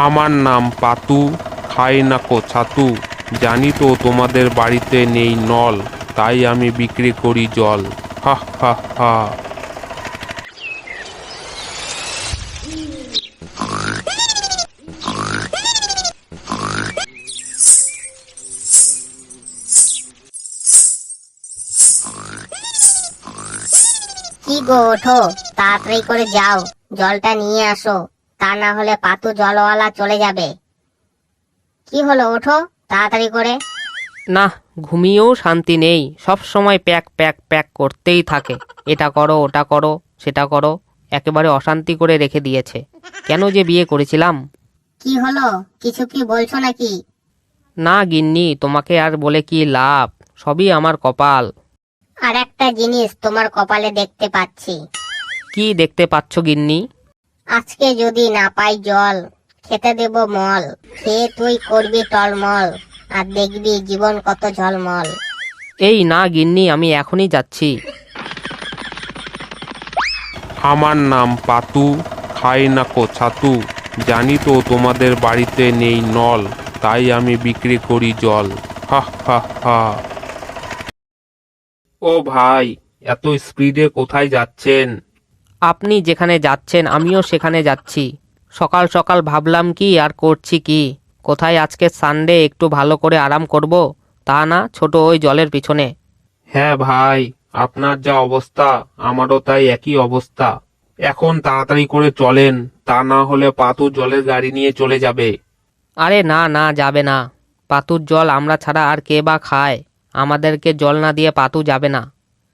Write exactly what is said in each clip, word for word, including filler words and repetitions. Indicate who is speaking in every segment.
Speaker 1: আমার নাম পাতু, খাই নাকো ছাতু। জানি তো তোমাদের বাড়িতে নেই নল, তাই আমি বিক্রি করি জল। হা হা হা।
Speaker 2: কি গো, ওঠো, তাড়াতাড়ি করে যাও, জলটা নিয়ে আসো, তা না হলে পাতু জলওয়ালা চলে যাবে। কি হলো, ওঠো তাড়াতাড়ি করে।
Speaker 3: না, ঘুমিয়েও শান্তি নেই, সব সময় প্যাক প্যাক প্যাক করতেই থাকে। এটা করো, ওটা করো, সেটা করো, একেবারে অশান্তি করে রেখে দিয়েছে। কেন যে বিয়ে করেছিলাম।
Speaker 2: কি হলো, কিছু কি বলছো নাকি?
Speaker 3: না গিন্নি, তোমাকে আর বলে কি লাভ, সবই আমার কপাল।
Speaker 2: আর একটা জিনিস তোমার কপালে দেখতে পাচ্ছি।
Speaker 3: কি দেখতে পাচ্ছ গিন্নি?
Speaker 2: আজকে যদি না পাই জল, খেতে দেব মল, খেয়ে তুই করবি টলমল, আর দেখবি জীবন কত ঝলমল।
Speaker 3: এই না গিন্নি, আমি এখনই যাচ্ছি।
Speaker 1: আমার নাম পাতু, খাই নাকো ছাতু। জানি তো তোমাদের বাড়িতে নেই নল, তাই আমি বিক্রি করি জল। হা হা হা। ও ভাই, এত স্পিডে কোথায় যাচ্ছেন?
Speaker 3: আপনি যেখানে যাচ্ছেন আমিও সেখানে যাচ্ছি। সকাল সকাল ভাবলাম কি আর করছি কি, কোথায় আজকে সানডে একটু ভালো করে আরাম করব, তা না ছোট ওই জলের পিছনে।
Speaker 1: হ্যাঁ ভাই, আপনার যা অবস্থা আমারও তাই একই অবস্থা। এখন তাড়াতাড়ি করে চলেন, তা না হলে পাতু জলের গাড়ি নিয়ে চলে যাবে।
Speaker 3: আরে না না, যাবে না। পাতুর জল আমরা ছাড়া আর কে বা খায়, আমাদেরকে জল না দিয়ে পাতু যাবে না।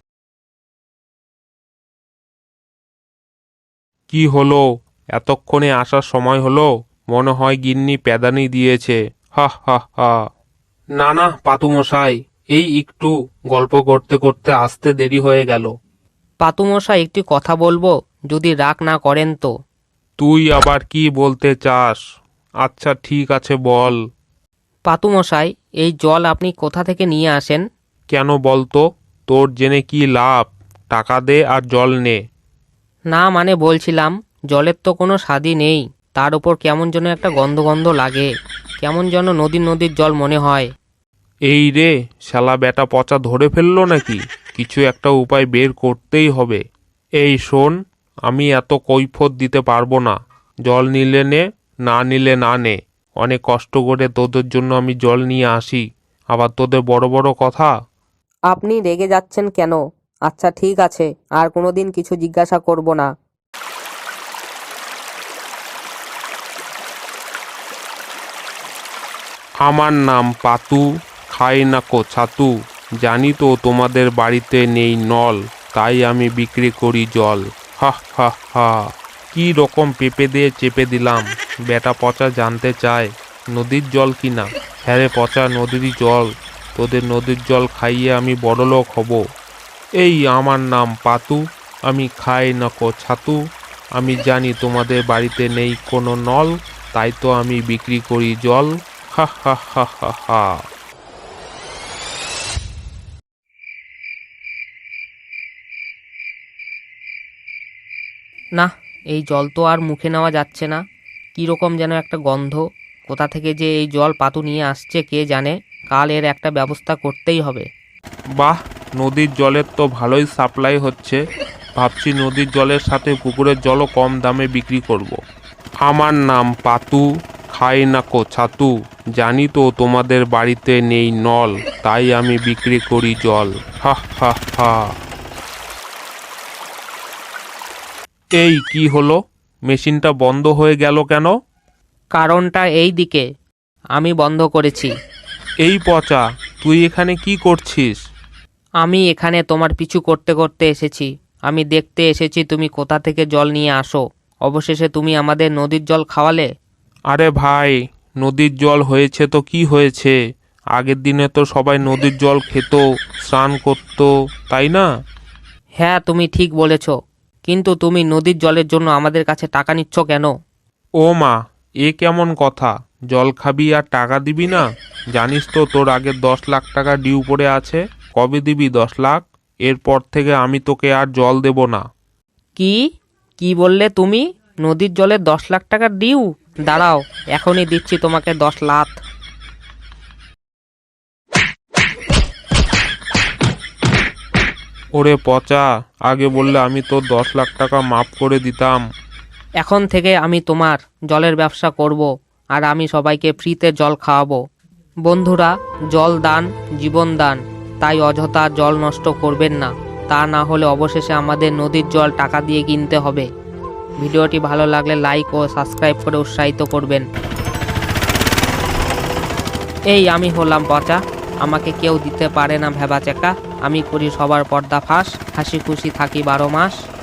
Speaker 1: কি হলো, এতক্ষণে আসার সময় হলো? মনে হয় গিন্নি প্যাদানি দিয়েছে। হা হা হা। না না পাতু মশাই, এই একটু গল্প করতে করতে আসতে দেরি হয়ে গেল।
Speaker 3: পাতুমশাই, একটি কথা বলবো, যদি রাগ না করেন তো?
Speaker 1: তুই আবার কি বলতে চাস? আচ্ছা ঠিক আছে বল।
Speaker 3: পাতুমশাই, এই জল আপনি কোথা থেকে নিয়ে আসেন?
Speaker 1: কেন বলতো, তোর জেনে কি লাভ? টাকা দে আর জল নে।
Speaker 3: না মানে বলছিলাম, জলের তো কোনো স্বাদই নেই, তার উপর কেমন যেন একটা গন্ধ গন্ধ লাগে, কেমন যেন নদীর নদীর জল মনে হয়।
Speaker 1: এই রে, শালা বেটা পচা ধরে ফেললো নাকি? কিছু একটা উপায় বের করতেই হবে। এই শোন, আমি এত কৈফত দিতে পারবো না। জল নিলে নে, না নিলে না নে। অনেক কষ্ট করে তোদের জন্য আমি জল নিয়ে আসি, আবার তোদের বড় বড় কথা।
Speaker 3: আপনি রেগে যাচ্ছেন কেন? আচ্ছা ঠিক আছে, আর কোনোদিন কিছু জিজ্ঞাসা করব না।
Speaker 1: আমার নাম পাতু, খাই নাকো ছাতু। জানি তো তোমাদের বাড়িতে নেই নল, তাই আমি বিক্রি করি জল। হা হা হা। কি রকম পেঁপে দিয়ে চেপে দিলাম। বেটা পচা জানতে চায় নদীর জল কিনা। হ্যাঁ রে পচা, নদীরই জল। তোদের নদীর জল খাইয়ে আমি বড়লোক হব। এই আমার নাম পাতু, আমি খাই নাকো ছাতু। আমি জানি তোমাদের বাড়িতে নেই কোনো নল, তাই তো আমি বিক্রি করি জল। হা হা হা হা হা।
Speaker 3: না, এই জল তো আর মুখে নেওয়া যাচ্ছে না, কীরকম যেন একটা গন্ধ। কোথা থেকে যে এই জল পাতু নিয়ে আসছে কে জানে, কাল এর একটা ব্যবস্থা করতেই হবে।
Speaker 1: বাহ, নদীর জলের তো ভালোই সাপ্লাই হচ্ছে। ভাবছি নদীর জলের সাথে পুকুরের জলও কম দামে বিক্রি করব। আমার নাম পাতু, খাই নাকো ছাতু। জানি তো তোমাদের বাড়িতে নেই নল, তাই আমি বিক্রি করি জল। হা হা হা। এই কি হলো, মেশিনটা বন্ধ হয়ে গেল কেন?
Speaker 3: কারণটা এই দিকে, আমি বন্ধ করেছি।
Speaker 1: এই পচা, তুই এখানে কি করছিস?
Speaker 3: আমি এখানে তোমার পিছু করতে করতে এসেছি। আমি দেখতে এসেছি তুমি কোথা থেকে জল নিয়ে আসো, অবশেষে তুমি আমাদের নদীর জল খাওয়ালে।
Speaker 1: আরে ভাই, নদীর জল হয়েছে তো কি হয়েছে? আগের দিনে তো সবাই নদীর জল খেত, স্নান করত, তাই না?
Speaker 3: হ্যাঁ তুমি ঠিক বলেছ, কিন্তু তুমি নদীর জলের জন্য আমাদের কাছে টাকা নিচ্ছ কেন?
Speaker 1: ও মা, এ কেমন কথা? জল খাবি আর টাকা দিবি না? জানিস তো তোর আগের দশ লাখ টাকা ডিউ পড়ে আছে। কবে দিবি দশ লাখ? এরপর থেকে আমি তোকে আর জল দেব না।
Speaker 3: কি কি বললে তুমি? নদীর জলের দশ লাখ টাকার ডিউ? দাঁড়াও, এখনই দিচ্ছি তোমাকে দশ লাখ।
Speaker 1: ওরে পচা, আগে বললে আমি তো দশ লাখ টাকা মাফ করে দিতাম।
Speaker 3: এখন থেকে আমি তোমার জলের ব্যবসা করব, আর আমি সবাইকে ফ্রিতে জল খাওয়াবো। বন্ধুরা, জল দান জীবন দান, তাই অযথা জল নষ্ট করবেন না, তা না হলে অবশেষে আমাদের নদীর জল টাকা দিয়ে কিনতে হবে। ভিডিওটি ভালো লাগলে লাইক ও সাবস্ক্রাইব করে উৎসাহিত করবেন। এই আমি হলাম পচা, আমাকে কেউ দিতে পারে না ভেবাচেকা। আমি করি সবার পর্দা ফাঁস, হাসি খুশি থাকি বারো মাস।